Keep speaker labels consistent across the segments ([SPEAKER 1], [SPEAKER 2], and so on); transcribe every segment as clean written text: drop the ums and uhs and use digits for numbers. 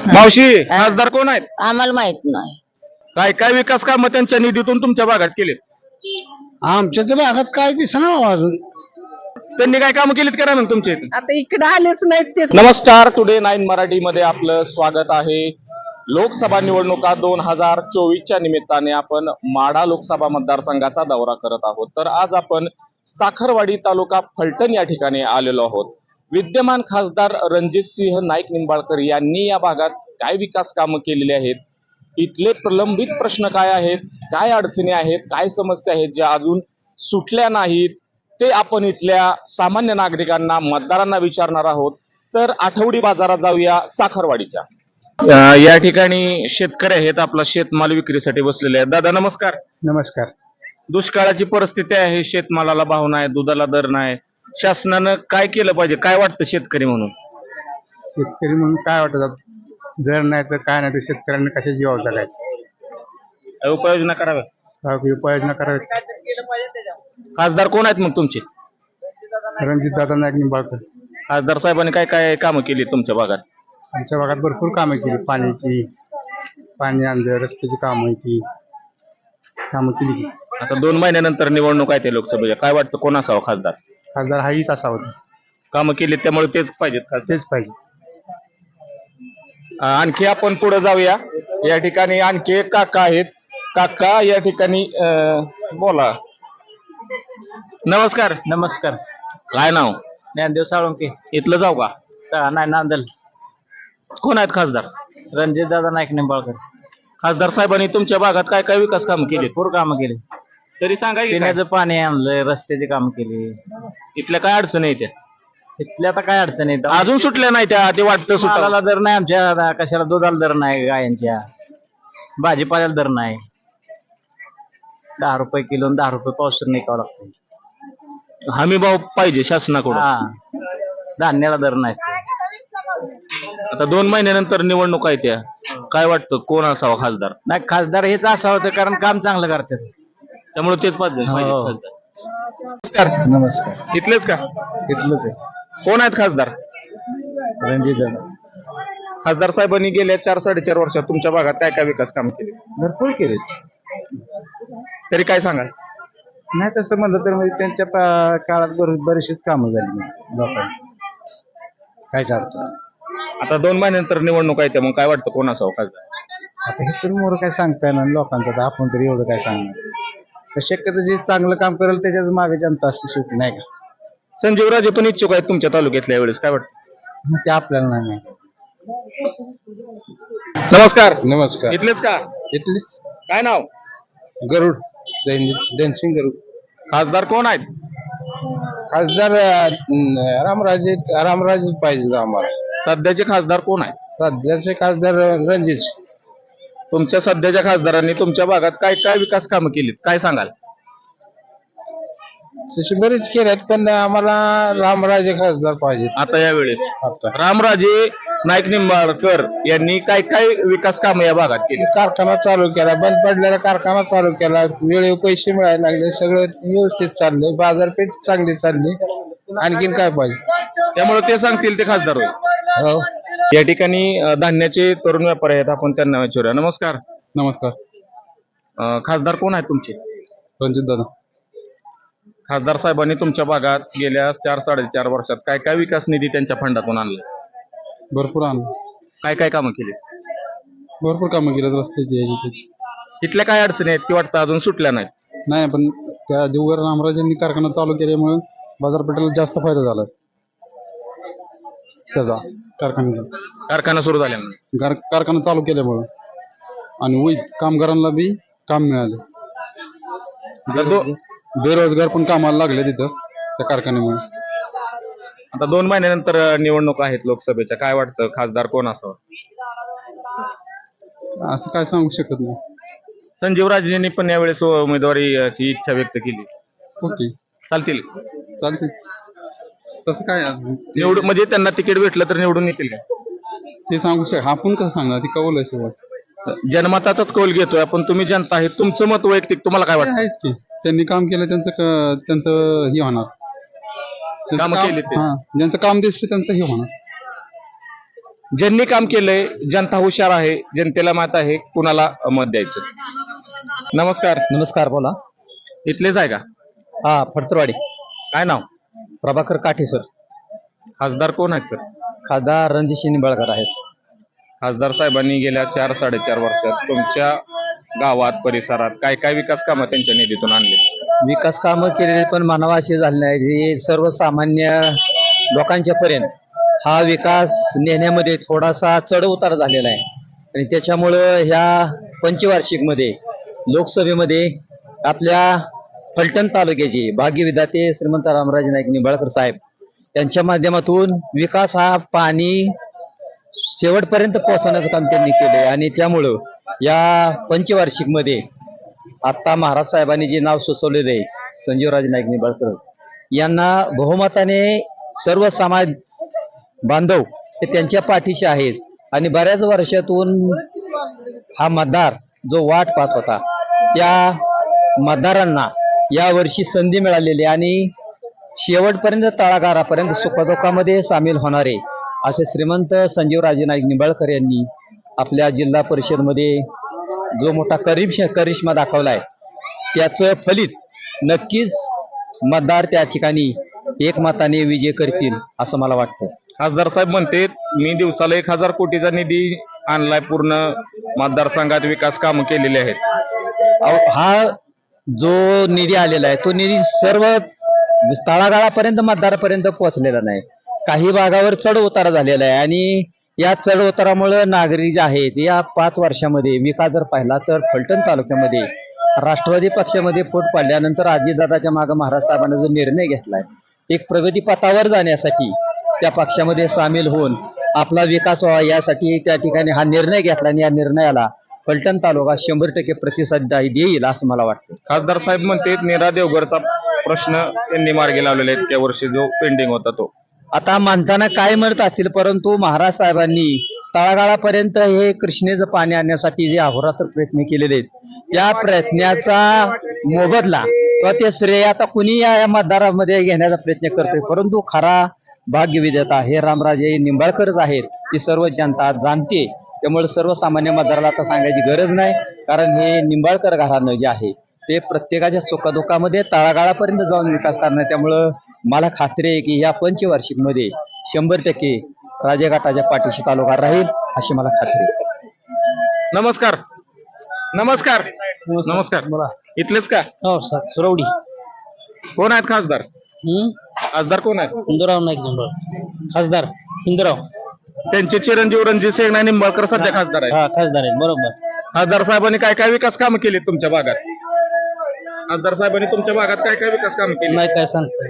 [SPEAKER 1] मावशी खासदार कोण आहेत?
[SPEAKER 2] आम्हाला माहित नाही.
[SPEAKER 1] काय काय विकास कामं त्यांच्या निधीतून तुमच्या भागात केले?
[SPEAKER 3] आमच्या तर भागात काय दिसणार अजून.
[SPEAKER 1] त्यांनी काय कामं केलीत करा मग तुमच्या इथे?
[SPEAKER 2] आता इकडे आलेच नाहीत ते.
[SPEAKER 1] नमस्कार, टुडे 9 मराठी मध्ये आपलं स्वागत आहे. लोकसभा निवडणुका 2024च्या निमित्ताने आपण माढा लोकसभा मतदारसंघाचा दौरा करत आहोत. तर आज आपण साखरवाडी तालुका फलटण या ठिकाणी आलेलो आहोत. विद्यमान खासदार रणजितसिंह नाईक निंबाळकर यांनी या भागात काय विकास कामं केलेली आहेत, इथले प्रलंबित प्रश्न काय आहेत, काय अडचणी आहेत, काय समस्या आहेत ज्या अजून सुटल्या नाहीत, ते आपण इथल्या सामान्य नागरिकांना मतदारांना विचारणार आहोत. तर आठवडी बाजारात जाऊया साखरवाडीच्या. या ठिकाणी शेतकरी आहेत, आपला शेतमाल विक्रीसाठी बसलेले आहेत. दादा नमस्कार.
[SPEAKER 3] नमस्कार.
[SPEAKER 1] दुष्काळाची परिस्थिती आहे, शेतमालाला भाव नाही, दुधाला दर नाही. शासनानं काय केलं पाहिजे, काय वाटतं शेतकरी म्हणून?
[SPEAKER 3] शेतकरी म्हणून काय वाटत, जर नाही तर काय नाही तर शेतकऱ्यांना कशा जीवावर जगायचं,
[SPEAKER 1] काय उपाययोजना कराव्या?
[SPEAKER 3] काय उपाययोजना करावी.
[SPEAKER 1] खासदार कोण आहेत मग तुमचे?
[SPEAKER 3] रणजित दादा नाईक निंबाळकर.
[SPEAKER 1] खासदार साहेबांनी काय काय कामं केली तुमच्या भागात?
[SPEAKER 3] आमच्या भागात भरपूर कामं केली, पाणी आणलं, रस्त्याची कामं ती कामं केली.
[SPEAKER 1] आता 2 महिन्यानंतर निवडणूक आहे ते लोकसभेच्या, काय वाटतं कोण असावं खासदार?
[SPEAKER 3] खासदार हाच असावं,
[SPEAKER 1] कामं केली त्यामुळे तेच पाहिजेत खासदार.
[SPEAKER 3] तेच पाहिजे.
[SPEAKER 1] आणखी आपण पुढे जाऊया. या ठिकाणी आणखी एक काका आहेत. काका या ठिकाणी बोला. नमस्कार.
[SPEAKER 4] नमस्कार.
[SPEAKER 1] काय नाव?
[SPEAKER 4] ज्ञानदेव साळुंके.
[SPEAKER 1] इथलं जाऊ का?
[SPEAKER 4] नाही, नांदल.
[SPEAKER 1] कोण आहेत खासदार?
[SPEAKER 4] रणजित दादा नाईक निंबाळकर.
[SPEAKER 1] खासदार साहेबांनी तुमच्या भागात काय काय विकास कामं केली
[SPEAKER 4] भरपूर कामं केली.
[SPEAKER 1] तरी सांगा की काय?
[SPEAKER 4] पिण्याचं पाणी आणलंय, रस्त्याची कामं केली.
[SPEAKER 1] इथल्या काय अडचणी आहेत त्या?
[SPEAKER 4] इथल्या आता काय अडचण आहे,
[SPEAKER 1] अजून सुटल्या नाही त्या, ते वाटतं सुटावं.
[SPEAKER 4] मालाला दर नाही आमच्या, कशाला दुधाला दर नाही, गायांच्या भाजीपाल्याला दर नाही. 10 रुपये किलो, 10 रुपये पावसर निघावं लागतं.
[SPEAKER 1] हमी भाव पाहिजे शासनाकडून.
[SPEAKER 4] हा, धान्याला दर नाही.
[SPEAKER 1] आता 2 महिन्यानंतर निवडणूक आहे त्या, काय वाटतं कोण असावा खासदार?
[SPEAKER 4] नाही, खासदार हेच असावं होतं, कारण काम चांगलं करतात.
[SPEAKER 1] त्यामुळे तेच पाहिजे
[SPEAKER 4] हो.
[SPEAKER 1] खासदार. नमस्कार.
[SPEAKER 4] नमस्कार.
[SPEAKER 1] इथलेच का?
[SPEAKER 4] इथलंच आहे.
[SPEAKER 1] कोण आहेत खासदार?
[SPEAKER 4] रणजित दादा.
[SPEAKER 1] खासदार साहेबांनी गेल्या 4-4.5 वर्षात तुमच्या भागात काय काय विकास काम केले,
[SPEAKER 4] भरपूर केले.
[SPEAKER 1] तरी काय सांगाल?
[SPEAKER 4] नाही तसं म्हणलं तर म्हणजे त्यांच्या काळात बरीचशीच कामं झाली लोकांची, काहीच अडचण.
[SPEAKER 1] आता 2 महिन्यानंतर निवडणूक आहे त्या, मग काय वाटतं कोण असावं खासदार?
[SPEAKER 4] आता हे तरी मोर काय सांगता येणार लोकांचं, तर आपण तरी एवढं काय सांगणार. तर शक्यतो जे चांगलं काम करेल त्याच्याच मागे जनता असते शेवटी, नाही का?
[SPEAKER 1] संजीव राजे पण इच्छुक आहेत तुमच्या तालुक्यातल्या, वेळेस काय वाटतं?
[SPEAKER 4] ते आपल्याला नाही माहिती.
[SPEAKER 1] नमस्कार.
[SPEAKER 3] नमस्कार.
[SPEAKER 1] इथलेच का?
[SPEAKER 3] इथले
[SPEAKER 1] काय नाव?
[SPEAKER 3] गरुड, दैनसिंग गरुड.
[SPEAKER 1] खासदार कोण आहेत?
[SPEAKER 3] खासदार रामराजे पाहिजे आम्हाला.
[SPEAKER 1] सध्याचे खासदार कोण आहेत?
[SPEAKER 3] सध्याचे खासदार रणजित.
[SPEAKER 1] तुमच्या सध्याच्या खासदारांनी तुमच्या भागात काय काय विकास कामं केलीत, काय सांगाल?
[SPEAKER 3] तशी बरेच केल्यात, पण आम्हाला रामराजे खासदार पाहिजे
[SPEAKER 1] आता या वेळेस
[SPEAKER 3] आता.
[SPEAKER 1] रामराजे नाईक निंबाळकर यांनी काय काय विकास कामं या भागात केली?
[SPEAKER 3] कारखाना चालू केला, बंद पडलेला कारखाना चालू केला, वेळेवर पैसे मिळायला लागले, सगळं व्यवस्थित चाललंय, बाजारपेठ चांगली चालली. आणखीन काय पाहिजे?
[SPEAKER 1] त्यामुळे ते सांगतील ते खासदार होईल.
[SPEAKER 3] हो.
[SPEAKER 1] या ठिकाणी धान्याचे तरुण व्यापारी आहेत, आपण त्यांना विचारूया. नमस्कार.
[SPEAKER 3] नमस्कार.
[SPEAKER 1] खासदार कोण आहेत तुमचे?
[SPEAKER 3] रणजित दादा.
[SPEAKER 1] खासदार साहेबांनी तुमच्या भागात गेल्या 4-4.5 वर्षात काय काय विकास निधी त्यांच्या फंडातून आणला,
[SPEAKER 3] भरपूर आणलं,
[SPEAKER 1] काय काय कामं केली?
[SPEAKER 3] भरपूर कामं केलं, रस्त्याची.
[SPEAKER 1] इथल्या काय अडचणी आहेत की वाटतं अजून सुटल्या नाहीत?
[SPEAKER 3] नाही, पण त्या देवघर रामराजांनी कारखाना चालू केल्यामुळे बाजारपेठेला जास्त फायदा झाला त्याचा.
[SPEAKER 1] कारखाना सुरू झाल्यामुळे,
[SPEAKER 3] कारखाना चालू केल्यामुळे आणि कामगारांना बी काम मिळालं. बेरोजगार पण कामाला लागले तिथं त्या कारखान्यामुळे.
[SPEAKER 1] आता 2 महिन्यानंतर निवडणूक आहेत लोकसभेच्या, काय वाटतं खासदार कोण असावं?
[SPEAKER 3] असं काय सांगू शकत नाही.
[SPEAKER 1] संजीव राजेंनी पण यावेळेस उमेदवारी अशी इच्छा व्यक्त केली,
[SPEAKER 3] ओके,
[SPEAKER 1] चालतील?
[SPEAKER 3] चालते. तसं काय
[SPEAKER 1] निवडून म्हणजे त्यांना तिकीट भेटलं तर निवडून येतील का?
[SPEAKER 3] ते सांगू शकत, आपण कसं सांगणार, ती कौल आहे शेवट.
[SPEAKER 1] जनमताचाच कौल घेतोय आपण, तुम्ही जनता आहे, तुमचं मत वैयक्तिक, तुम्हाला काय वाटतं?
[SPEAKER 3] आहेच की, त्यांनी काम केलं त्यांचं हे होणार.
[SPEAKER 1] कामं केली ते.
[SPEAKER 3] ज्यांचं काम दिसतं त्यांचं हे होणार.
[SPEAKER 1] ज्यांनी काम केलंय, जनता हुशार आहे, जनतेला माहित आहे कुणाला मत द्यायचं. नमस्कार.
[SPEAKER 4] नमस्कार, बोला.
[SPEAKER 1] इथलेच आहे का?
[SPEAKER 4] हा, फडतरवाडी.
[SPEAKER 1] काय नाव?
[SPEAKER 4] प्रभाकर काठे सर.
[SPEAKER 1] खासदार कोण आहेत सर?
[SPEAKER 4] खासदार रणजित निंबाळकर आहेत.
[SPEAKER 1] खासदार साहेबांनी गेल्या 4-4.5 वर्षात तुमच्या गावात परिसरात काय काय विकास कामं त्यांच्या निधीतून आणले?
[SPEAKER 4] विकास कामं केलेले पण मानवा असे झाले नाही, हे सर्वसामान्य लोकांच्या पर्यंत हा विकास नेण्यामध्ये थोडासा चढ उतार झालेला आहे. आणि त्याच्यामुळं ह्या पंचवार्षिकमध्ये लोकसभेमध्ये आपल्या फलटण तालुक्याचे भाग्यविधाते श्रीमंत रामराजे नाईक निंबाळकर साहेब यांच्या माध्यमातून विकास हा पाणी शेवटपर्यंत पोहोचवण्याचं काम त्यांनी केलंय. आणि त्यामुळं या पंचवार्षिकमध्ये आता महाराज साहेबांनी जे नाव सुचवलेलं आहे संजीवराजे नाईक निंबाळकर यांना बहुमताने सर्व समाज बांधव हे त्यांच्या पाठीशी आहेत. आणि बऱ्याच वर्षातून हा मतदार जो वाट पाहत होता त्या मतदारांना या वर्षी संधी मिळालेली आणि शेवटपर्यंत तळागाळापर्यंत सुखदुःखामध्ये सामील होणारे असे श्रीमंत संजीवराजे नाईक निंबाळकर यांनी आपल्या जिल्हा परिषदमध्ये जो मोठा करिश्मा दाखवलाय त्याचं फलित नक्कीच मतदार त्या ठिकाणी एकमताने विजय करतील असं मला वाटतं.
[SPEAKER 1] खासदार साहेब म्हणते मी दिवसाला 1000 कोटीचा निधी आणलाय, पूर्ण मतदारसंघात विकास कामं केलेली आहेत.
[SPEAKER 4] हा जो निधी आलेला आहे तो निधी सर्व तळागाळापर्यंत मतदारापर्यंत पोहोचलेला नाही. काही भागावर चढ उतार झालेला आहे आणि या चढ उतारामुळे नागरिक जे आहेत या 5 वर्षामध्ये विकास जर पाहिला तर फलटण तालुक्यामध्ये राष्ट्रवादी पक्षामध्ये फूट पडल्यानंतर अजितदादाच्या मागे महाराज साहेबांनी जो निर्णय घेतलाय एक प्रगतीपथावर जाण्यासाठी त्या पक्षामध्ये सामील होऊन आपला विकास व्हावा यासाठी त्या ठिकाणी हा निर्णय घेतला आणि या निर्णयाला फलटण तालुका 100% प्रतिसाद देईल असं मला वाटतं.
[SPEAKER 1] खासदार साहेब म्हणते नीरा देवघरचा प्रश्न त्यांनी मार्गी लावलेला आहे, इतक्या वर्षी जो पेंडिंग होता तो.
[SPEAKER 4] आता माणसांना काय म्हणत असतील परंतु महाराज साहेबांनी तळागाळापर्यंत हे कृष्णेचं पाणी आणण्यासाठी जे अहोरात्र प्रयत्न केलेले आहेत त्या प्रयत्नाचा मोबदला किंवा ते श्रेय आता कुणी या मतदारामध्ये घेण्याचा प्रयत्न करतोय, परंतु खरा भाग्यविधाता हे रामराजे निंबाळकरच आहेत ही सर्व जनता जाणते. त्यामुळे सर्वसामान्य मतदाराला आता सांगायची गरज नाही, कारण हे निंबाळकर घराणं जे आहे ते प्रत्येकाच्या सुखदुःखामध्ये तळागाळापर्यंत जाऊन विकास करणार. त्यामुळं मला खात्री आहे की या पंचवार्षिकमध्ये 100% राजेघाटाच्या पाठीशी तालुका राहील अशी मला खात्री आहे.
[SPEAKER 1] नमस्कार. नमस्कार. नमस्कार.
[SPEAKER 4] बोला.
[SPEAKER 1] इथलेच का?
[SPEAKER 4] हो सर, सुरवडी.
[SPEAKER 1] कोण आहेत खासदार? खासदार कोण आहेत?
[SPEAKER 4] हिंदूराव नाईक निंबाळकर खासदार. हिंदूराव
[SPEAKER 1] त्यांचे चिरंजीव रणजित सिंह निंबाळकर सध्या खासदार आहेत.
[SPEAKER 4] हा खासदार आहे, बरोबर.
[SPEAKER 1] खासदार साहेबांनी काय काय विकास कामं केली तुमच्या भागात? खासदार साहेबांनी तुमच्या भागात काय काय विकास कामं केली?
[SPEAKER 4] नाही काय सांगतो.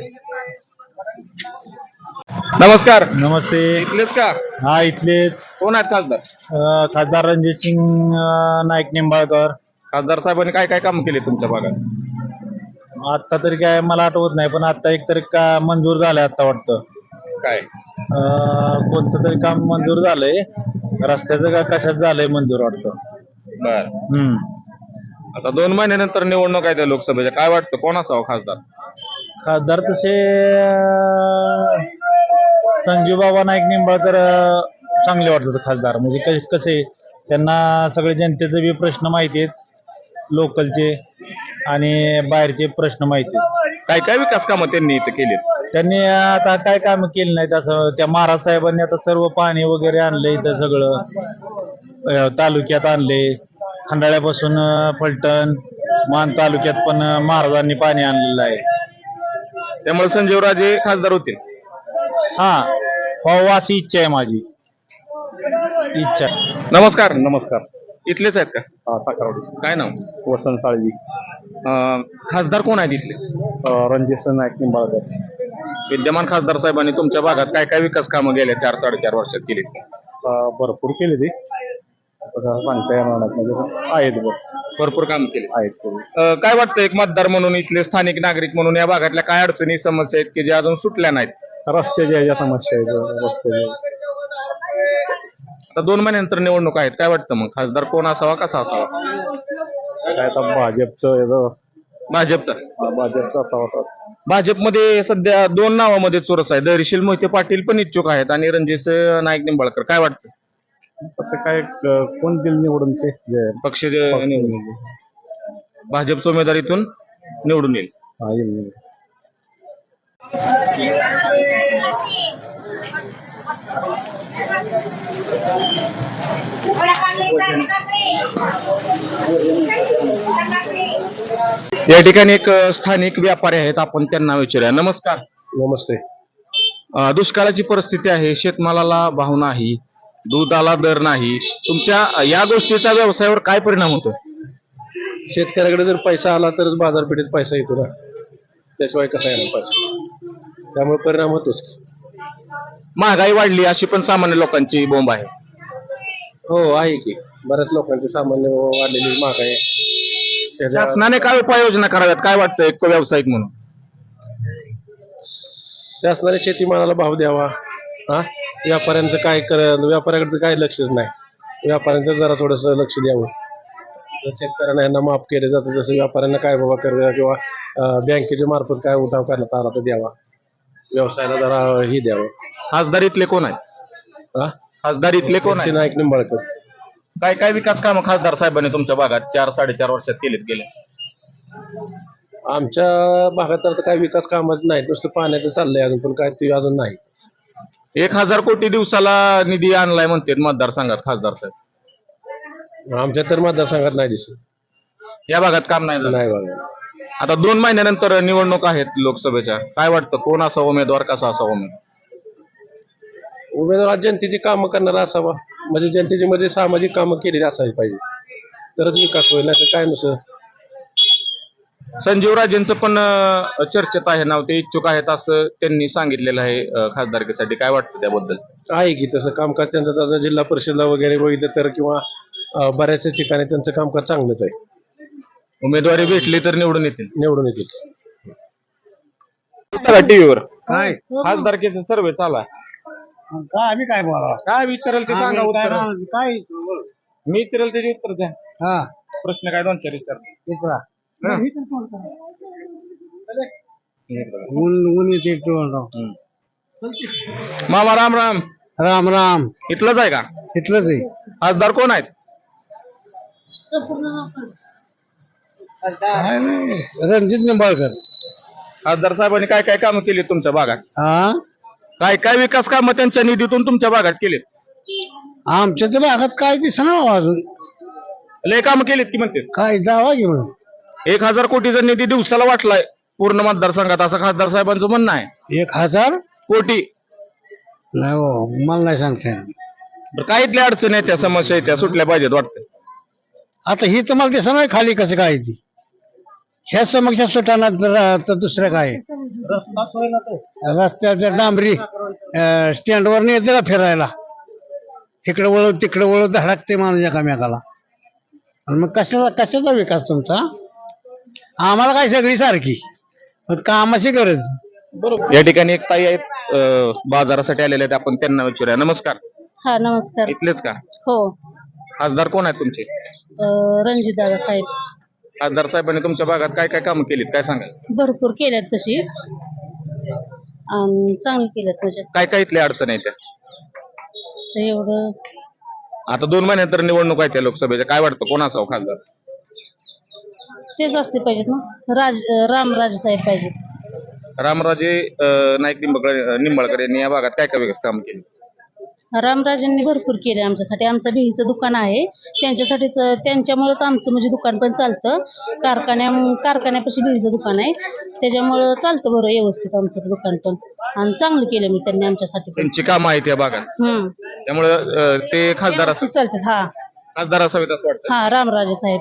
[SPEAKER 1] नमस्कार.
[SPEAKER 4] नमस्ते.
[SPEAKER 1] इथलेच का?
[SPEAKER 4] हा इथलेच.
[SPEAKER 1] कोण आहेत खासदार?
[SPEAKER 4] खासदार रणजित सिंग नाईक निंबाळकर.
[SPEAKER 1] खासदार साहेबांनी काय काय कामं केली तुमच्या भागात?
[SPEAKER 4] आता तरी काय मला आठवत नाही, पण आता एक तरी का मंजूर झालंय आता वाटतं.
[SPEAKER 1] काय
[SPEAKER 4] कोणतं तरी काम मंजूर झालंय, रस्त्याचं का कशात झालंय मंजूर वाटतं.
[SPEAKER 1] बर. आता 2 महिन्यानंतर निवडणूक आहे त्या लोकसभेच्या, काय वाटतं कोण असावं खासदार?
[SPEAKER 4] खासदार तसे संजीव बाबा नाईक निंबाळकर चांगले वाटत खासदार. म्हणजे कसे त्यांना सगळे जनतेचे बी प्रश्न माहिती आहेत, लोकलचे आणि बाहेरचे प्रश्न माहिती आहेत.
[SPEAKER 1] काय काय विकास कामं त्यांनी इथं केली?
[SPEAKER 4] त्यांनी आता काय काम केली नाहीत असं. त्या महाराज साहेबांनी आता सर्व पाणी वगैरे आणले इथं सगळं तालुक्यात आणले. खंडाळ्यापासून फलटण मान तालुक्यात पण महाराजांनी पाणी आणलेलं आहे.
[SPEAKER 1] त्यामुळे संजीवराजे खासदार होतील.
[SPEAKER 4] हा हो, अशी इच्छा आहे माझी. इच्छा.
[SPEAKER 1] नमस्कार.
[SPEAKER 4] नमस्कार.
[SPEAKER 1] इथलेच आहेत का?
[SPEAKER 4] साखरवाडी.
[SPEAKER 1] काय नाव?
[SPEAKER 4] वसंत साळवी.
[SPEAKER 1] खासदार कोण आहेत इथले?
[SPEAKER 4] रणजित नाईक निंबाळकर.
[SPEAKER 1] विद्यमान खासदार साहेबांनी तुमच्या भागात काय काय विकास कामं गेल्या 4-4.5 वर्षात केली?
[SPEAKER 4] भरपूर केले ते, सांगता येणार नाही, म्हणजे आहेत
[SPEAKER 1] भरपूर काम केले
[SPEAKER 4] आहेत.
[SPEAKER 1] काय वाटतं एक मतदार म्हणून, इथले स्थानिक नागरिक म्हणून या भागातल्या काय अडचणी समस्या आहेत की ज्या अजून सुटल्या नाहीत?
[SPEAKER 4] रस्त्याच्या ज्या समस्या आहेत रस्त्याच्या.
[SPEAKER 1] आता 2 महिन्यानंतर निवडणूक आहेत, काय वाटतं मग खासदार कोण असावा, कसा असावा?
[SPEAKER 4] काय आता भाजपचं
[SPEAKER 1] भाजपचा
[SPEAKER 4] असावा.
[SPEAKER 1] भाजपमध्ये सध्या दोन नावामध्ये चोरस आहे. धैर्यशील मोहिते पाटील पण इच्छुक आहेत आणि रणजित नाईक निंबाळकर. काय वाटतं?
[SPEAKER 5] फक्त काय कोण दिल निवडून ते
[SPEAKER 1] पक्ष निवडून येईल. भाजपच्या उमेदवारीतून निवडून येईल. या ठिकाणी एक स्थानिक व्यापारी आहेत, आपण त्यांना विचारूया. नमस्कार.
[SPEAKER 5] नमस्ते.
[SPEAKER 1] दुष्काळाची परिस्थिती आहे, शेतमालाला भाव नाही, दुधाला दर नाही. तुमच्या या गोष्टीचा व्यवसायावर काय परिणाम होतो?
[SPEAKER 5] शेतकऱ्याकडे जर पैसा आला तरच बाजारपेठेत पैसा येतो ना, त्याशिवाय कसा येणार पैसा? त्यामुळे परिणाम होतोच.
[SPEAKER 1] महागाई वाढली अशी पण सामान्य लोकांची बोंब आहे.
[SPEAKER 5] हो आहे की, बऱ्याच लोकांचे सामान्य वाढलेली महागाई.
[SPEAKER 1] शासनाने काय उपाययोजना कराव्यात, काय वाटतं एक व्यावसायिक म्हणून?
[SPEAKER 5] शासनाने शेतीमालाला भाव द्यावा. व्यापाऱ्यांचं काय व्यापाऱ्याकडे काय लक्षच नाही. व्यापाऱ्यांचं जरा थोडस लक्ष द्यावं. जर शेतकऱ्यांना यांना माफ केले जातं तसं व्यापाऱ्यांना काय बाबा कर किंवा बँकेच्या मार्फत काय उठाव करण्यात आला तर द्यावा. व्यवसायाला जरा ही द्यावं.
[SPEAKER 1] खासदारीतले कोण आहेत? खासदारीतले कोण आहेत?
[SPEAKER 5] नाईक निंबाळकर.
[SPEAKER 1] काय काय विकास कामं खासदार साहेबांनी तुमच्या भागात 4-4.5 वर्षात केलेत गेले?
[SPEAKER 5] आमच्या भागात तर काय विकास कामच नाही, नुसतं पाण्याचं चाललंय अजून, पण काय ते अजून नाही.
[SPEAKER 1] 1000 कोटी दिवसाला निधी आणलाय म्हणतात मतदारसंघात खासदार साहेब.
[SPEAKER 5] आमच्या तर मतदारसंघात नाही दिसत.
[SPEAKER 1] या भागात काम नाही झालं.
[SPEAKER 5] नाही बघा.
[SPEAKER 1] आता 2 महिन्यानंतर निवडणूक आहेत लोकसभेच्या. काय वाटतं कोण असा उमेदवार, कसा असा उमेदवार?
[SPEAKER 5] उमेदवार जनतेची कामं करणारा असावा, म्हणजे जनतेची मध्ये सामाजिक कामं केलेली असायला पाहिजे, तरच विकास होईल. नाही तर काय नसं.
[SPEAKER 1] संजीव राजेंचं पण चर्चेत आहे नाव, ते इच्छुक आहेत असं त्यांनी सांगितलेलं आहे खासदारकीसाठी. काय वाटतं त्याबद्दल?
[SPEAKER 5] आहे की तसं कामकाज त्यांचं, तसं जिल्हा परिषदला वगैरे बघितलं तर किंवा बऱ्याचशा ठिकाणी त्यांचं कामकाज चांगलंच आहे.
[SPEAKER 1] उमेदवारी भेटली तर निवडून येतील.
[SPEAKER 5] निवडून येतील.
[SPEAKER 1] टीव्हीवर
[SPEAKER 3] काय
[SPEAKER 1] खासदारकीचा सर्वे चालू आहे.
[SPEAKER 3] काय आम्ही काय बोला
[SPEAKER 1] काय विचारेल ते सांगा उत्तर.
[SPEAKER 3] काय
[SPEAKER 1] मी विचारेल त्याचे उत्तर द्या.
[SPEAKER 3] हा
[SPEAKER 1] प्रश्न काय 2-4 विचार.
[SPEAKER 3] दुसरा
[SPEAKER 1] हं.
[SPEAKER 3] ऊन येते
[SPEAKER 1] मामा राम राम.
[SPEAKER 3] राम राम.
[SPEAKER 1] इथलंच आहे का?
[SPEAKER 3] इथलंच आहे.
[SPEAKER 1] खासदार कोण आहेत?
[SPEAKER 3] काय नाही, रणजित निंबाळकर.
[SPEAKER 1] खासदार साहेबांनी काय काय कामं केली तुमच्या भागात?
[SPEAKER 3] हा
[SPEAKER 1] काय काय विकास कामं त्यांच्या निधीतून तुमच्या भागात केलीत?
[SPEAKER 3] आमच्या तर भागात काय दिसणार अजून.
[SPEAKER 1] लय कामं केलीत की म्हणते.
[SPEAKER 3] काय दावा घे म्हणून
[SPEAKER 1] 1000 कोटीचा निधी दिवसाला वाटलाय पूर्ण मतदारसंघात, असं खासदार साहेबांचं म्हणणं आहे.
[SPEAKER 3] 1000
[SPEAKER 1] कोटी.
[SPEAKER 3] नाही हो, मला नाही सांगता येणार.
[SPEAKER 1] बरं, काय इथल्या अडचणी आहेत, त्या समस्या आहेत, त्या सुटल्या पाहिजेत वाटतं.
[SPEAKER 3] आता ही तुम्हाला दिसणार खाली कसं काय ती. ह्या समस्या सुटाना तर दुसरं काय. रस्त्याच्या डांबरी स्टँडवर नेते का फिरायला, इकडे वळव तिकडे वळव धडकते माणूस एकामेकाला. आणि मग कशाचा विकास तुमचा? आम्हाला काय सगळी सारखी, पण कामाची गरज.
[SPEAKER 1] या ठिकाणी एक ताई आहेत बाजारासाठी आलेले आहेत, आपण त्यांना विचारूया. नमस्कार.
[SPEAKER 2] हा नमस्कार.
[SPEAKER 1] इथलेच का?
[SPEAKER 2] हो.
[SPEAKER 1] खासदार कोण आहेत तुमचे?
[SPEAKER 2] रणजितदादा साहेब.
[SPEAKER 1] खासदार साहेबांनी तुमच्या भागात काय काय कामं केलीत, काय सांगाल?
[SPEAKER 2] भरपूर केल्यात तशी, चांगली केल्यात म्हणजे.
[SPEAKER 1] काय काय इथल्या अडचणी आहेत त्या?
[SPEAKER 2] तर एवढं
[SPEAKER 1] आता 2 महिन्यानंतर निवडणूक आहे त्या लोकसभेच्या. काय वाटतं कोण असावं खासदार?
[SPEAKER 2] तेच असते पाहिजेत ना, रामराजे साहेब पाहिजेत.
[SPEAKER 1] रामराजे नाईक निंबाळकर यांनी या भागात काय काय विकास काम केले?
[SPEAKER 2] रामराजेंनी भरपूर केले आमच्यासाठी. आमचं भेहीचं दुकान आहे, त्यांच्यासाठीच, त्यांच्यामुळेच आमचं म्हणजे दुकान पण चालतं. कारखान्यापाशी भेहीचं दुकान आहे, त्याच्यामुळं चालतं बरं व्यवस्थित आमचं दुकान पण. आणि चांगलं केलं मी त्यांनी आमच्यासाठी पण.
[SPEAKER 1] त्यांची कामं आहेत या भागात, त्यामुळं ते खासदार
[SPEAKER 2] चालतात. हा
[SPEAKER 1] खासदार असावेत असं वाटतं.
[SPEAKER 2] हा रामराजे साहेब.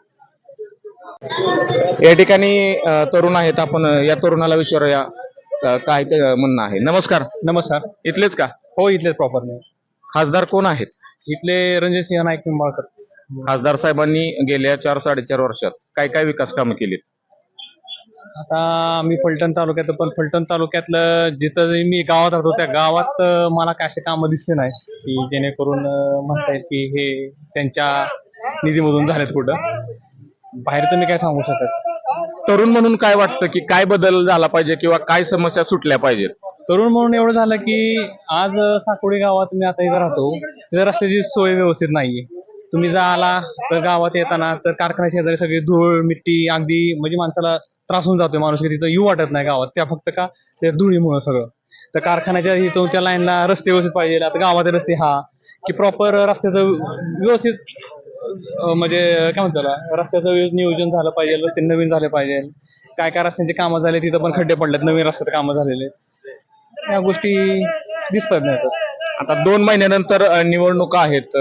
[SPEAKER 1] या ठिकाणी तरुण आहेत, आपण या तरुणाला विचारूया काय ते म्हणणं आहे. नमस्कार.
[SPEAKER 5] नमस्कार.
[SPEAKER 1] इथलेच का?
[SPEAKER 5] हो, इथलेच प्रॉपर नाही.
[SPEAKER 1] खासदार कोण आहेत?
[SPEAKER 5] इथले रणजित सिंह नाईक निंबाळकर.
[SPEAKER 1] खासदार साहेबांनी गेल्या 4-4.5 वर्षात काय काय विकास कामं केलीत?
[SPEAKER 5] आता मी फलटण तालुक्यात, पण फलटण तालुक्यातलं जिथं मी गावात राहतो त्या गावात मला काय असे कामं दिसले नाही की जेणेकरून म्हणता येईल की हे त्यांच्या निधीमधून झालेत. कुठं बाहेरचं मी काय सांगू शकत.
[SPEAKER 1] तरुण म्हणून काय वाटतं की काय बदल झाला पाहिजे किंवा काय समस्या सुटल्या पाहिजेत?
[SPEAKER 6] तरुण म्हणून एवढं झालं की आज साकोडी गावात मी आता इथं राहतो, तिथं रस्त्याची सोय व्यवस्थित नाहीये. तुम्ही जर आला तर गावात येताना तर कारखान्या शेजारी सगळी धूळ मिट्टी अगदी म्हणजे माणसाला त्रास होऊन जातोय. माणूस की तिथं येऊ वाटत नाही गावात, त्या फक्त का त्या धुळीमुळे सगळं. तर कारखान्याच्या इथून त्या लाईनला रस्ते व्यवस्थित पाहिजे. आता गावाचे रस्ते की प्रॉपर रस्त्याचं व्यवस्थित म्हणजे काय म्हणतो त्याला, रस्त्याचं नियोजन झालं पाहिजे, रस्ते नवीन झाले पाहिजे. काय काय रस्त्यांची कामं झाले तिथं पण खड्डे पडलेत, नवीन रस्त्यात कामं झालेले, या गोष्टी दिसतात नाही.
[SPEAKER 1] आता 2 महिन्यानंतर निवडणुका आहेत.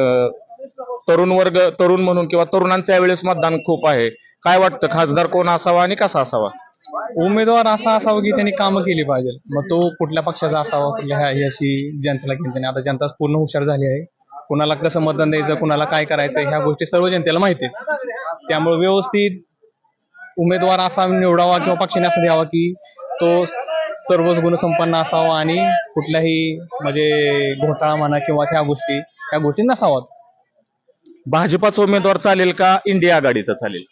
[SPEAKER 1] तरुण म्हणून किंवा तरुणांचं यावेळेस मतदान खूप आहे. काय वाटतं खासदार कोण असावा आणि कसा असावा?
[SPEAKER 6] उमेदवार असा असावा की त्यांनी कामं केली पाहिजे. मग तो कुठल्या पक्षाचा असावा, कुठल्या ह्याची जनतेला घेऊन त्याने. आता जनता पूर्ण हुशार झाली आहे. कुणाला कसं मतदान द्यायचं, कुणाला काय करायचं, ह्या गोष्टी सर्व जनतेला माहिती आहेत. त्यामुळे व्यवस्थित उमेदवार असा निवडावा किंवा पक्षाने असं द्यावा की तो सर्वच गुणसंपन्न असावा आणि कुठल्याही म्हणजे घोटाळा म्हणा किंवा त्या गोष्टी नसावात.
[SPEAKER 1] भाजपाचा उमेदवार चालेल का इंडिया आघाडीचा चालेल?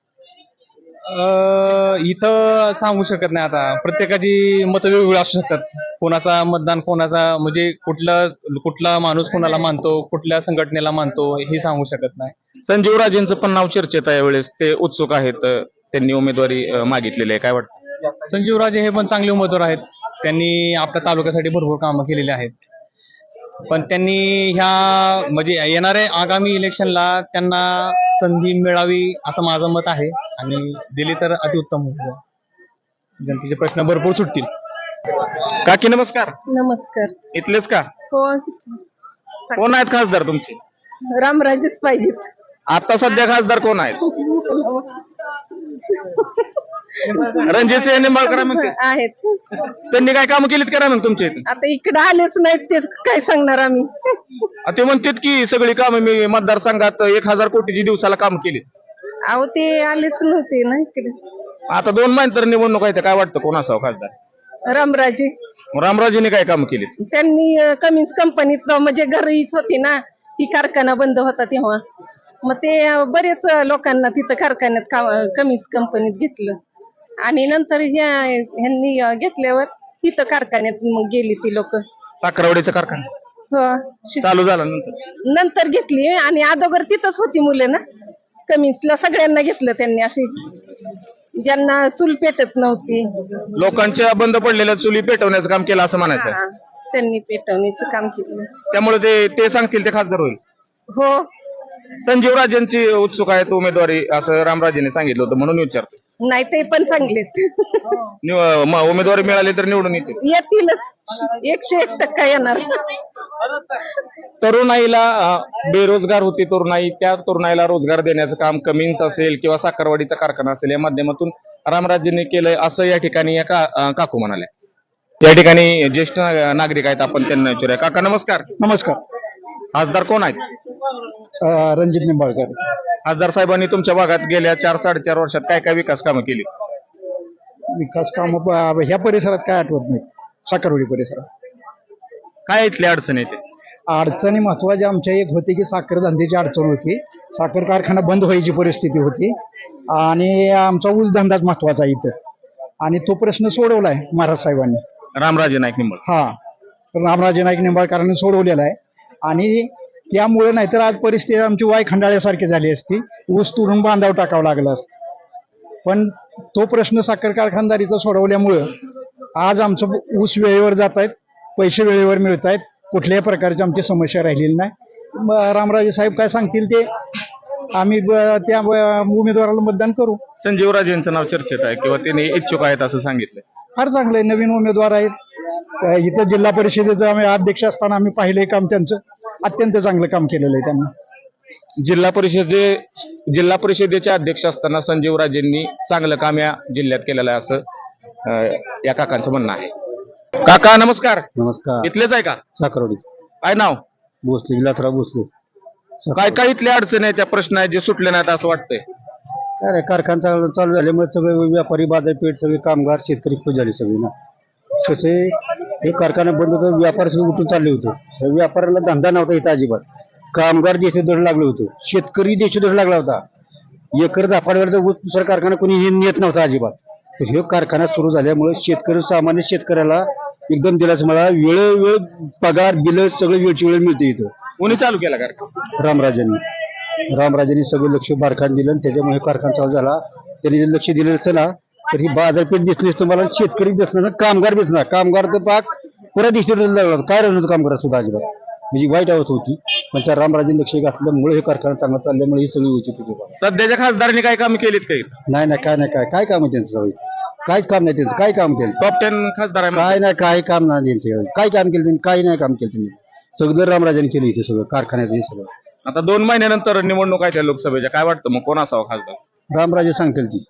[SPEAKER 6] इथं सांगू शकत नाही. आता प्रत्येकाची मतं वेगवेगळी असू शकतात. कोणाचा मतदान कोणाचा म्हणजे कुठला माणूस कोणाला मानतो, कुठल्या संघटनेला मानतो, हे सांगू शकत नाही.
[SPEAKER 1] संजीव राजेंचं पण नाव चर्चेत आहे यावेळेस. ते उत्सुक आहेत, त्यांनी उमेदवारी मागितलेली आहे. काय वाटतं?
[SPEAKER 6] संजीव राजे हे पण चांगले उमेदवार आहेत. त्यांनी आपल्या तालुक्यासाठी भरपूर कामं केलेली आहेत. पण त्यांनी ह्या म्हणजे येणाऱ्या आगामी इलेक्शनला त्यांना संधी मिळावी असं माझं मत आहे आणि दिली तर अतिउत्तम होईल. जनतेचे प्रश्न भरपूर सुटतील.
[SPEAKER 1] काकी नमस्कार.
[SPEAKER 7] नमस्कार.
[SPEAKER 1] इथलेच का?
[SPEAKER 7] हो,
[SPEAKER 1] कोण आहेत खासदार तुमचे?
[SPEAKER 7] रामराजेच पाहिजेत.
[SPEAKER 1] आता सध्या खासदार कोण आहेत? रणजितसिंह निंबाळकर म्हणते.
[SPEAKER 7] आहेत.
[SPEAKER 1] त्यांनी काय कामं केलीत करा मग तुमच्या इथे?
[SPEAKER 7] आता इकडे आलेच नाहीत ते काय सांगणार आम्ही.
[SPEAKER 1] ते म्हणतात की सगळी कामं मी मतदारसंघात 1000 कोटीची दिवसाला काम केली.
[SPEAKER 7] अहो ते आलेच नव्हते ना इकडे.
[SPEAKER 1] आता 2 महिन्यानंतर निवडणूक आहे, तर काय वाटतं कोण असावं खासदार?
[SPEAKER 7] रामराजे.
[SPEAKER 1] रामराजेने काय काम केली?
[SPEAKER 7] त्यांनी कमिन्स कंपनीत म्हणजे घरीच होती ना, ती कारखाना बंद होता तेव्हा. मग ते बरेच लोकांना तिथं कारखान्यात कमिन्स कंपनीत घेतलं आणि नंतर ह्यांनी घेतल्यावर तिथं कारखान्यात मग गेली ती लोक.
[SPEAKER 1] साखरवाडीचा कारखाना
[SPEAKER 7] हो,
[SPEAKER 1] चालू झाला
[SPEAKER 7] नंतर घेतली आणि अगोदर तिथंच होती मुलं ना. कमिन्सला सगळ्यांना घेतलं त्यांनी, अशी ज्यांना चूल पेटत नव्हती.
[SPEAKER 1] लोकांच्या बंद पडलेल्या चुली पेटवण्याचं काम केलं असं म्हणायचं.
[SPEAKER 7] हा, त्यांनी पेटवण्याचं काम केलं.
[SPEAKER 1] त्यामुळे ते सांगतील ते खासदार होईल.
[SPEAKER 7] हो,
[SPEAKER 1] संजीव राजेंची उत्सुक आहे उमेदवारी असं रामराजेने सांगितलं होतं म्हणून विचारतो.
[SPEAKER 7] नाही ते पण चांगलेत.
[SPEAKER 1] उमेदवारी मिळाली तर निवडून
[SPEAKER 7] येतीलच, 101% येणार.
[SPEAKER 1] तरुणाईला बेरोजगार होती तरुणाई, त्या तरुणाईला रोजगार देण्याचं काम कमिन्स असेल किंवा साखरवाडीचा कारखाना असेल या माध्यमातून रामराजेंनी केलंय असं या ठिकाणी या काकू म्हणाल्या. या ठिकाणी ज्येष्ठ नागरिक आहेत, आपण त्यांना विचारूया. काका नमस्कार.
[SPEAKER 3] नमस्कार.
[SPEAKER 1] खासदार कोण आहेत?
[SPEAKER 3] रणजित निंबाळकर.
[SPEAKER 1] खासदार साहेबांनी तुमच्या भागात गेल्या 4-4.5 वर्षात काय काय विकास कामं केली?
[SPEAKER 3] विकास काम ह्या परिसरात काय आठवत नाही. साखरवाडी परिसरात
[SPEAKER 1] काय इथली अडचण येते?
[SPEAKER 3] अडचणी महत्वाच्या आमच्या एक होती की साखर धंद्याची अडचण होती. साखर कारखाना बंद व्हायची परिस्थिती होती आणि आमचा ऊस धंदाच महत्वाचा इथं, आणि तो प्रश्न सोडवलाय महाराज साहेबांनी.
[SPEAKER 1] रामराजे नाईक निंबाळ.
[SPEAKER 3] हा, रामराजे नाईक निंबाळकरांनी सोडवलेला आहे. आणि त्यामुळे नाहीतर आज परिस्थिती आमची वाय खंडाळ्यासारखी झाली असती, ऊस तोडून बांधाव टाकावं लागलं असतं. पण तो प्रश्न साखर कारखानदारीचा सोडवल्यामुळं आज आमचं ऊस वेळेवर जात आहेत, पैसे वेळेवर मिळत आहेत, कुठल्याही प्रकारची आमची समस्या राहिलेली नाही. रामराजे साहेब काय सांगतील ते आम्ही त्या उमेदवाराला मतदान करू.
[SPEAKER 1] संजीव राजेंचं नाव चर्चेत आहे किंवा त्यांनी इच्छुक आहेत असं सांगितलं.
[SPEAKER 3] फार चांगलं आहे, नवीन उमेदवार आहेत. इथं जिल्हा परिषदेचं आम्ही अध्यक्ष असताना आम्ही पाहिलंय काम त्यांचं, अत्यंत चांगलं काम केलेलं आहे त्यांनी.
[SPEAKER 1] जिल्हा परिषदेचे अध्यक्ष असताना संजीव राजेंनी चांगलं काम या जिल्ह्यात केलेलं आहे असं या काकांचं म्हणणं आहे. काका नमस्कार.
[SPEAKER 3] नमस्कार.
[SPEAKER 1] इथलेच आहे का?
[SPEAKER 3] साखरवाडी.
[SPEAKER 1] काय नाव?
[SPEAKER 3] भोसले, विलासराव भोसले.
[SPEAKER 1] काय काय इथल्या अडचणी आहेत, त्या प्रश्न आहेत जे सुटले नाहीत असं वाटतंय?
[SPEAKER 3] काय रे, कारखाना चालू झाल्यामुळे सगळे व्यापारी बाजारपेठ, सगळे कामगार, शेतकरी खुश झाले सगळे ना. कसे हे कारखाना बंद होतं, व्यापार उठून चालले होते. व्यापाराला धंदा नव्हता इथं अजिबात. कामगार देशोधड लागलं होतं, शेतकरी देशोधड लागला होता. एकर दाफाडवर ऊस दुसरा कारखाना कोणी हे नेत नव्हता अजिबात. तर हे कारखाना सुरू झाल्यामुळे शेतकरी सामान्य शेतकऱ्याला एकदम दिलास मला वेळोवेळ पगार बिल सगळं वेळची वेळ मिळते इथं.
[SPEAKER 1] कोणी चालू केला कारखाना?
[SPEAKER 3] रामराजांनी सगळं लक्ष कारखान दिलं आणि त्याच्यामुळे कारखाना चालू झाला. त्यांनी जर लक्ष दिलं नसतं ना तर ही बाजारपेठ दिसली असतं, मला शेतकरी दिसणार ना कामगार दिसणार. कामगार तर पाक पुरा दिसणार लागला, काय राहणार कामगार सुद्धा अजिबात, म्हणजे वाईट अवस्था होती. पण त्या रामराजांनी लक्ष घातल्यामुळे हे कारखाना चांगला चालल्यामुळे ही सगळी होती होती.
[SPEAKER 1] सध्याच्या खासदारांनी काय काम केलीत काही?
[SPEAKER 3] नाही काय काम आहे त्यांचं सगळं? काहीच काम नाही त्यांचं. काय काम केलं?
[SPEAKER 1] टॉप 10 खासदार आहे
[SPEAKER 3] काय नाही, काय काम नाही त्यांचं. काय काम केलं त्यांनी? काही नाही काम केलं त्यांनी. सगळं रामराजांनी केलं इथे सगळं कारखान्याचं हे सगळं.
[SPEAKER 1] आता 2 महिन्यानंतर निवडणूक आहे त्या लोकसभेच्या, काय वाटतं मग कोण असावं खासदार?
[SPEAKER 3] रामराजे सांगतील ती.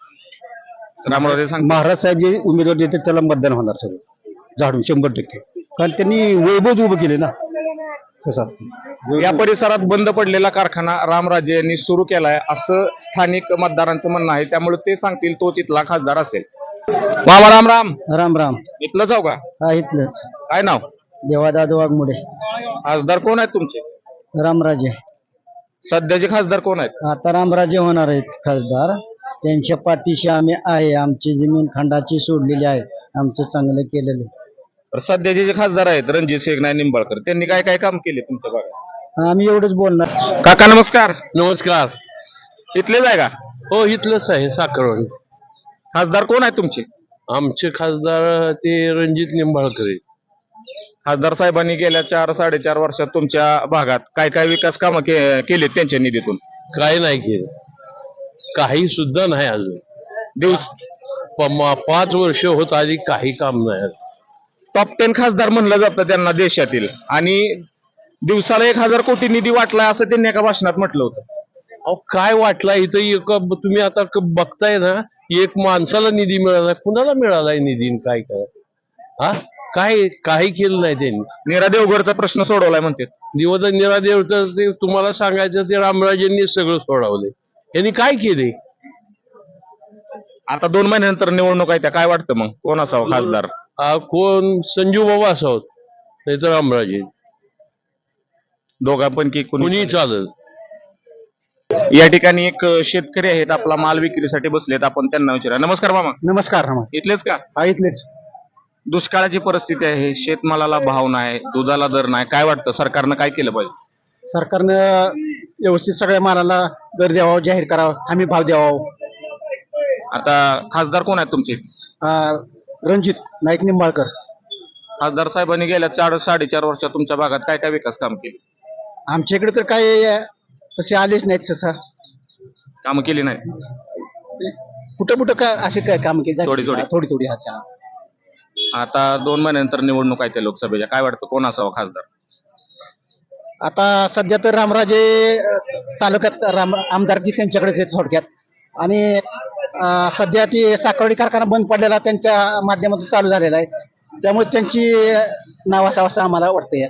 [SPEAKER 1] रामराजे सांग.
[SPEAKER 3] महाराज साहेब जे उमेदवार देतात त्याला मतदान होणार सगळं झाडून 100%. कारण त्यांनी वैभव उभं केले ना. कसं असतं
[SPEAKER 1] या परिसरात बंद पडलेला कारखाना रामराजे यांनी सुरू केलाय असं स्थानिक मतदारांचं म्हणणं आहे, त्यामुळे ते सांगतील तोच इथला खासदार असेल. मामा राम राम.
[SPEAKER 3] राम राम.
[SPEAKER 1] इथलं जाऊ का?
[SPEAKER 3] हा इथलंच
[SPEAKER 1] काय नाव?
[SPEAKER 3] देवादादा वाघमोडे.
[SPEAKER 1] खासदार कोण आहेत तुमचे?
[SPEAKER 3] रामराजे.
[SPEAKER 1] सध्याचे खासदार कोण आहेत?
[SPEAKER 3] आता रामराजे होणार आहेत खासदार. त्यांच्या पाठीशी आम्ही आहे. आमची जमीन खंडाची सोडलेली आहे, आमचं चांगलं केलेलं.
[SPEAKER 1] तर सध्याचे जे खासदार आहेत रणजित सिंह नाईक निंबाळकर, त्यांनी काय काय काम केले तुमच्या भागात?
[SPEAKER 3] आम्ही एवढंच बोलणार.
[SPEAKER 1] काका नमस्कार.
[SPEAKER 5] नमस्कार.
[SPEAKER 1] इथलेच आहे का?
[SPEAKER 5] हो इथलंच आहे साखरवाडी.
[SPEAKER 1] खासदार कोण आहेत तुमचे?
[SPEAKER 5] आमचे खासदार ते रणजित निंबाळकर आहेत.
[SPEAKER 1] खासदार साहेबांनी गेल्या 4-4.5 वर्षात तुमच्या भागात काय काय विकास कामं केलेत त्यांच्या निधीतून?
[SPEAKER 5] काय नाही केलं, काही सुद्धा नाही अजून.
[SPEAKER 1] दिवस
[SPEAKER 5] 5 वर्ष होत आली काही काम नाही.
[SPEAKER 1] टॉप 10 खासदार म्हणलं जातं त्यांना देशातील, आणि दिवसाला 1000 कोटी निधी वाटलाय असं त्यांनी एका भाषणात म्हटलं होतं.
[SPEAKER 5] अहो काय वाटला इथं तुम्ही आता बघताय ना, एक माणसाला निधी मिळालाय, कुणाला मिळालाय निधी? काय काय हा काय काही केलं नाही त्यांनी.
[SPEAKER 1] नीरा देवगडचा प्रश्न सोडवलाय म्हणते.
[SPEAKER 5] निरादेव तर ते तुम्हाला सांगायचं ते रामराजेंनी सगळं सोडवलंय. यांनी काय केले?
[SPEAKER 1] आता 2 महिन्यानंतर निवडणूक आहे, त्या काय वाटतं मग कोण असावं खासदार?
[SPEAKER 5] कोण संजू बाबा असावं नाही तर रामराजे,
[SPEAKER 1] दोघांपैकी
[SPEAKER 5] कुणी
[SPEAKER 1] कोणी?
[SPEAKER 5] चालत.
[SPEAKER 1] या ठिकाणी एक शेतकरी आहेत, आपला माल विक्रीसाठी बसलेत, आपण त्यांना विचारा. नमस्कार मामा.
[SPEAKER 3] नमस्कार.
[SPEAKER 1] इथलेच का?
[SPEAKER 3] हा इथलेच.
[SPEAKER 1] दुष्काळाची परिस्थिती आहे, शेतमालाला भाव नाही, दुधाला दर नाही, काय वाटतं सरकारनं काय केलं पाहिजे?
[SPEAKER 3] सरकारनं व्यवस्थित सगळ्या मालाला दर द्यावा, जाहीर करावा, हमी भाव द्यावा.
[SPEAKER 1] आता खासदार कोण आहेत तुमचे?
[SPEAKER 3] रणजित नाईक निंबाळकर.
[SPEAKER 1] खासदार साहेबांनी गेल्या 4-4.5 वर्षात तुमच्या भागात काय काय विकास काम केले?
[SPEAKER 3] आमच्या इकडे तर काय तसे आलेच नाहीत. तसं
[SPEAKER 1] कामं केली नाही?
[SPEAKER 3] कुठं काय असे काय काम केले?
[SPEAKER 1] थोडी.
[SPEAKER 3] थोडी.
[SPEAKER 1] आता 2 महिन्यानंतर निवडणूक आहे त्या लोकसभेच्या, काय वाटतं कोण असावं खासदार?
[SPEAKER 3] आता सध्या तर रामराजे तालुक्यात आमदारकी त्यांच्याकडेच आहे थोडक्यात. आणि सध्या ती साखरवाडी कारखाना बंद पडलेला त्यांच्या माध्यमातून चालू झालेला आहे, त्यामुळे त्यांची नाव असावं असं आम्हाला वाटतंय.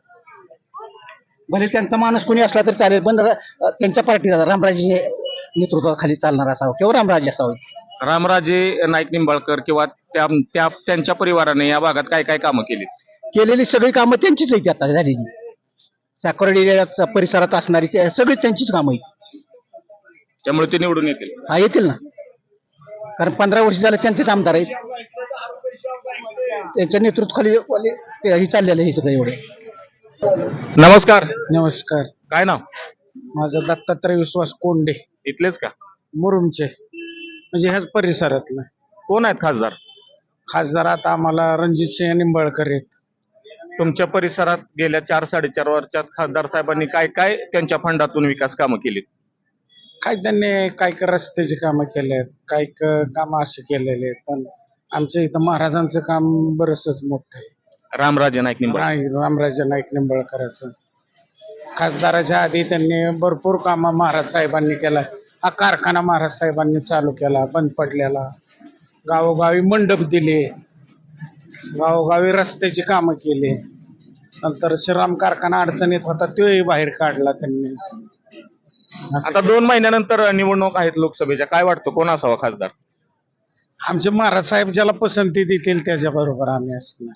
[SPEAKER 3] भले त्यांचा माणूस कोणी असला तर चालेल, पण त्यांच्या पार्टीचा रामराजे नेतृत्वाखाली चालणार असावं किंवा रामराजे असावे.
[SPEAKER 1] रामराजे नाईक निंबाळकर किंवा त्यांच्या परिवाराने या भागात काय काय कामं केली?
[SPEAKER 3] केलेली सगळी कामं त्यांचीच आहेत आता झालेली. साखरवाडी परिसरात असणारी सगळी त्यांचीच कामं आहेत,
[SPEAKER 1] त्यामुळे ते निवडून येतील.
[SPEAKER 3] हा येतील ना, कारण 15 वर्ष झाले त्यांचेच आमदार आहेत. त्यांच्या नेतृत्वाखाली हे चाललेलं हे सगळं एवढे.
[SPEAKER 1] नमस्कार.
[SPEAKER 3] नमस्कार.
[SPEAKER 1] काय नाव?
[SPEAKER 3] माझं दत्तात्रय विश्वास कोंडे.
[SPEAKER 1] इथलेच का?
[SPEAKER 3] मुरुमचे, म्हणजे ह्याच परिसरातलं.
[SPEAKER 1] कोण आहेत खासदार?
[SPEAKER 3] खासदार आता आम्हाला रणजित सिंह निंबाळकर आहेत.
[SPEAKER 1] तुमच्या परिसरात गेल्या 4-4.5 वर्षात खासदार साहेबांनी काय काय त्यांच्या फंडातून विकास कामं केली?
[SPEAKER 3] काय त्यांनी काय रस्त्याची कामं केलेत, काय कामं असे केलेले आहेत. पण आमच्या इथं महाराजांचं काम बरंचच मोठं आहे.
[SPEAKER 1] रामराजे नाईक निंबाळकर.
[SPEAKER 3] रामराजे नाईक निंबाळकरांचं. खासदाराच्या आधी त्यांनी भरपूर कामं महाराज साहेबांनी केला. हा कारखाना महाराज साहेबांनी चालू केला, बंद पडलेला. गावोगावी मंडप दिले, गावोगावी रस्त्याची कामं केली. नंतर श्रीराम कारखाना अडचणीत होता तोही बाहेर काढला त्यांनी.
[SPEAKER 1] आता 2 महिन्यानंतर निवडणूक आहेत लोकसभेच्या, काय वाटतं कोण असावा खासदार?
[SPEAKER 3] आमचे महाराज साहेब ज्याला पसंती देतील त्याच्या बरोबर आम्ही असणार.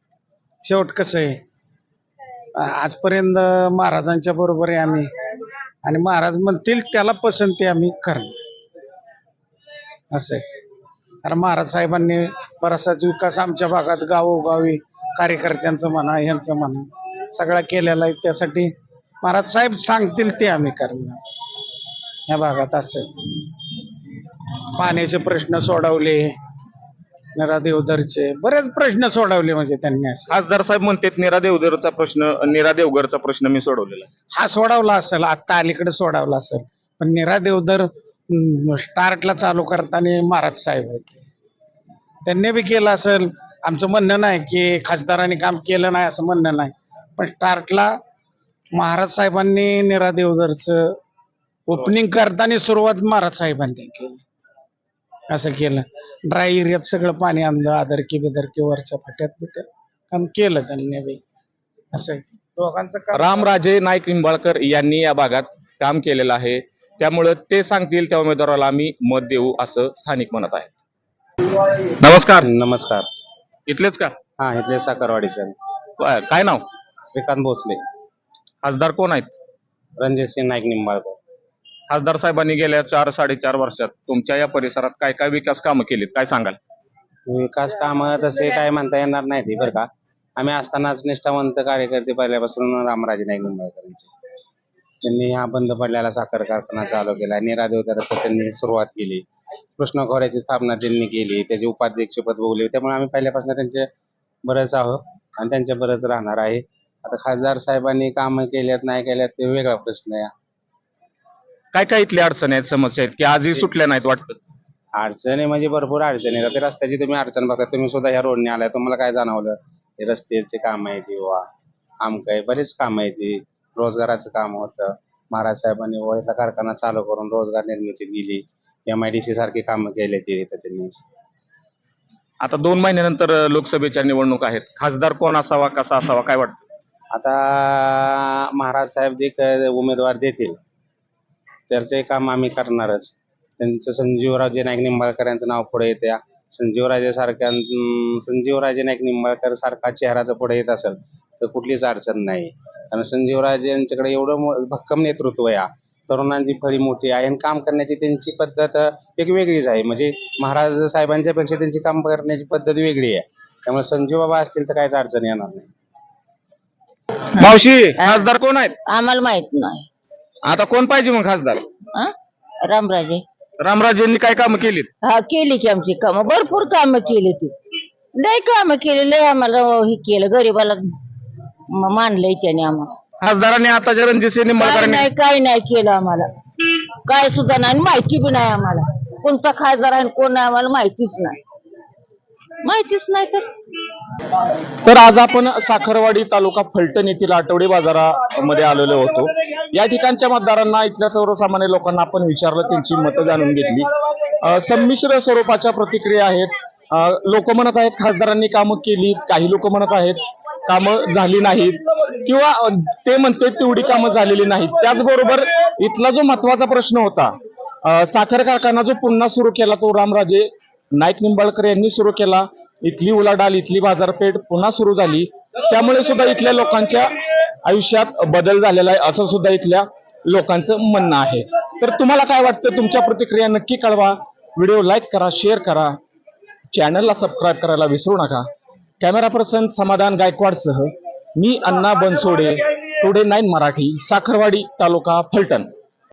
[SPEAKER 3] शेवट कसं आहे, आजपर्यंत महाराजांच्या बरोबर आहे आम्ही. आणि महाराज म्हणतील त्याला पसंती आम्ही करणार असं आहे. कारण महाराज साहेबांनी बराचसाच विकास आमच्या भागात गावोगावी कार्यकर्त्यांचं म्हणा यांचं म्हणा सगळा केलेला आहे. त्यासाठी महाराज साहेब सांगतील ते आम्ही करणार या भागात. असं आहे. पाण्याचे प्रश्न सोडवले, नरा देवधरचे बरेच प्रश्न सोडवले म्हणजे त्यांनी. असं
[SPEAKER 1] खासदार साहेब म्हणतात नीरा देवघरचा प्रश्न मी सोडवलेला आहे.
[SPEAKER 3] हा सोडवला असेल, आता अलीकडे सोडवला असेल, पण नीरा देवधर स्टार्टला चालू करताना महाराज साहेब होते, त्यांनी बी केलं असेल. आमचं म्हणणं नाही की खासदारांनी काम केलं नाही असं म्हणणं नाही, पण स्टार्टला महाराज साहेबांनी नीरा देवधरचं ओपनिंग करताना सुरुवात महाराज साहेबांनी केली. असं केलं. ड्राय एरियात सगळं पाणी आणलं, आदरकी बिदरकी वरच्या फाट्यात बिट्यात काम केलं त्यांनी बी. असं आहे. दोघांचं काम
[SPEAKER 1] रामराजे नाईक निंबाळकर यांनी या भागात काम केलेलं आहे, त्यामुळे ते सांगतील त्या उमेदवाराला आम्ही मत देऊ असं स्थानिक म्हणत आहे. नमस्कार.
[SPEAKER 6] नमस्कार.
[SPEAKER 1] इथलेच का?
[SPEAKER 6] हा, इथले साखरवाडीचे
[SPEAKER 1] काय नाव?
[SPEAKER 6] श्रीकांत भोसले.
[SPEAKER 1] खासदार कोण आहेत?
[SPEAKER 6] रणजितसिंह नाईक निंबाळकर.
[SPEAKER 1] खासदार साहेबांनी गेल्या 4-4.5 वर्षात तुमच्या या परिसरात काय काय विकास कामं केलीत, काय सांगाल?
[SPEAKER 6] विकास कामं तसे काय म्हणता येणार नाही ते बरं का. आम्ही असतानाच निष्ठावंत कार्यकर्ते पहिल्यापासून रामराजे नाईक निंबाळकरांचे. त्यांनी हा बंद पडलेला साखर कारखाना चालू केला. नीरा देवधराचं त्यांनी सुरुवात केली. कृष्ण खोऱ्याची स्थापना त्यांनी केली, त्याचे उपाध्यक्षपद भोगले. त्यामुळे आम्ही पहिल्यापासून त्यांचे बरेच आहोत आणि त्यांच्या बरेच राहणार आहे. आता खासदार साहेबांनी कामं केल्यात नाही केल्यात ते वेगळा प्रश्न आहे.
[SPEAKER 1] काय काय इथल्या अडचणी आहेत, समस्या आहेत की आजही सुटल्या नाहीत वाटतं?
[SPEAKER 6] अडचणी म्हणजे भरपूर अडचणी आहेत. ते रस्त्याची तुम्ही अडचण बघता, तुम्ही सुद्धा ह्या रोडने आलाय, तुम्हाला काय जाणवलं? हे रस्त्याचे काम आहे किंवा आमकाय बरेच काम आहे. ती रोजगाराचं काम होतं. महाराज साहेबांनी वयचा कारखाना चालू करून रोजगार निर्मिती दिली. MIDC सारखी कामं केली ती त्यांनी.
[SPEAKER 1] आता 2 महिन्यानंतर लोकसभेच्या निवडणूक आहेत. खासदार कोण असावा, कसा असावा, काय वाटतं?
[SPEAKER 6] आता महाराज साहेब जे उमेदवार देतील त्याचे काम आम्ही करणारच. त्यांचं संजीवराजे नाईक निंबाळकर यांचं नाव पुढे येत्या. संजीवराजे नाईक निंबाळकर सारखा चेहरा जर पुढे येत असेल तर कुठलीच अडचण नाही. कारण संजीवराजे यांच्याकडे एवढं भक्कम नेतृत्व आहे. तरुणांची फळी मोठी आहे आणि काम करण्याची त्यांची पद्धत एक वेगळीच आहे. म्हणजे महाराज साहेबांच्या पेक्षा त्यांची काम करण्याची पद्धत वेगळी आहे. त्यामुळे संजीव बाबा असतील तर काहीच अडचण येणार नाही.
[SPEAKER 1] मावशी, खासदार कोण आहेत?
[SPEAKER 8] आम्हाला माहित नाही.
[SPEAKER 1] आता कोण पाहिजे मग खासदार?
[SPEAKER 8] रामराजे.
[SPEAKER 1] रामराजेंनी काय कामं केलीत?
[SPEAKER 8] हा, केली की आमची कामं, भरपूर कामं केली ती. लय कामं केली, लय आम्हाला हे केलं, गरीबाला मानलंय त्याने आम्हाला.
[SPEAKER 1] खासदारांनी आताच्या रणजितसिंह
[SPEAKER 8] काय
[SPEAKER 1] निंबाळकरांनी
[SPEAKER 8] नाही काय नाही केलं आम्हाला, काय सुद्धा नाही. आणि माहिती बी नाही आम्हाला कोणता खासदार आहे कोण नाही, आम्हाला माहितीच नाही.
[SPEAKER 1] तर आज आपण साखरवाडी तालुका फलटण येथील आठवडी बाजारामध्ये आलेलो होतो. या ठिकाणच्या मतदारांना, इथल्या सर्वसामान्य लोकांना आपण विचारलं, त्यांची मतं जाणून घेतली. संमिश्र स्वरूपाच्या प्रतिक्रिया आहेत. लोक म्हणत आहेत खासदारांनी कामं केली, काही लोक म्हणत आहेत कामं झाली नाहीत, किंवा ते म्हणतात तेवढी कामं झालेली नाहीत. त्याचबरोबर इथला जो महत्वाचा प्रश्न होता, साखर कारखाना जो पुन्हा सुरू केला तो रामराजे नाईक निंबाळकर यांनी सुरू केला. इथली उलाढाल, इथली बाजारपेठ पुन्हा सुरू झाली. त्यामुळे सुद्धा इथल्या लोकांच्या आयुष्यात बदल झालेला आहे असं सुद्धा इथल्या लोकांचं म्हणणं आहे. तर तुम्हाला काय वाटतं? तुमच्या प्रतिक्रिया नक्की कळवा. व्हिडिओ लाईक करा, शेअर करा, चॅनलला सबस्क्राईब करायला विसरू नका. कॅमेरा पर्सन समाधान गायकवाडसह मी अण्णा बनसोडे, टुडे 9 मराठी, साखरवाडी तालुका फलटण.